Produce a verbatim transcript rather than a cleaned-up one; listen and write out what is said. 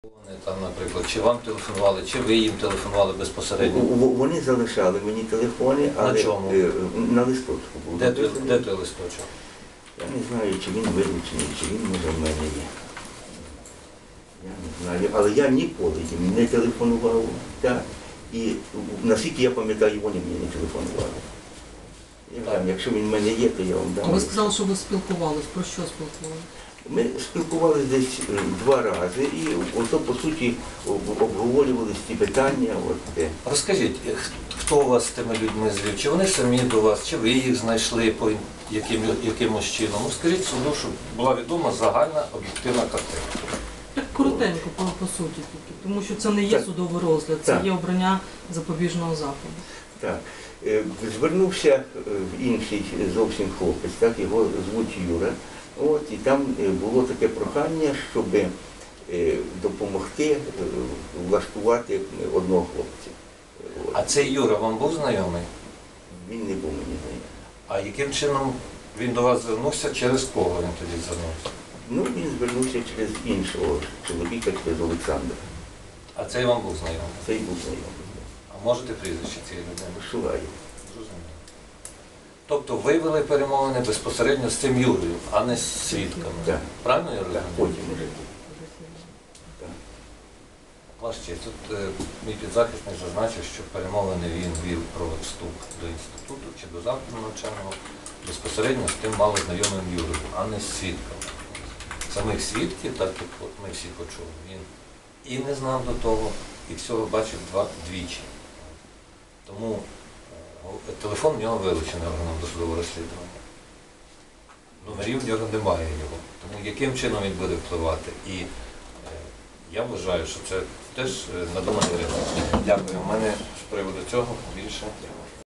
Там, наприклад, чи вам телефонували, чи ви їм телефонували безпосередньо? Вони залишали мені телефони, але на чому? На листочку був. Де, той, де той листочок? Я не знаю, чи він вилучений, чи він може в мене є. Я не знаю, але я ніколи їм не телефонував. Так. І наскільки я пам'ятаю, вони мені не телефонували. Я вам, якщо він в мене є, то я вам дам. Ви сказали, що ви спілкувалися. Про що спілкувалися? Ми спілкувалися десь два рази і ото, по суті, обговорювали ці питання. От. Розкажіть, хто у вас з тими людьми звів? Чи вони самі до вас, чи ви їх знайшли по яким, якимось чином? Розкажіть суду, щоб була відома загальна об'єктивна картина. Так коротенько, по, по суті тільки, тому що це не є так. судовий розгляд, це так. є обрання запобіжного заходу. Так. Звернувся інший зовсім хлопець, так, його звуть Юра. От, і там було таке прохання, щоб допомогти влаштувати одного хлопця. От. А цей Юра вам був знайомий? Він не був мені знайомий. А яким чином він до вас звернувся, через кого він тоді звернувся? Ну, він звернувся через іншого чоловіка, через Олександра. А цей вам був знайомий? Цей був знайомий. А можете прізвище цієї людини? Шулаєв. Зрозуміло. Тобто ви вели перемовини безпосередньо з цим Юрою, а не з свідками? Так. Правильно я Так, розумію? потім уже. Так. Ваш честь, тут е, мій підзахисник зазначив, що перемовини він вів про вступ до інституту чи до закладу навчального безпосередньо з тим малознайомим Юрою, а не з свідками. Самих свідків, так як от ми всі почули, він і не знав до того, і всього бачив два двічі. Тому е, телефон в нього вилучений органом досудового розслідування. Номерів в нього немає його. Тому яким чином він буде впливати? І е, я вважаю, що це теж надуманий ризик. Дякую. У мене з приводу цього більше.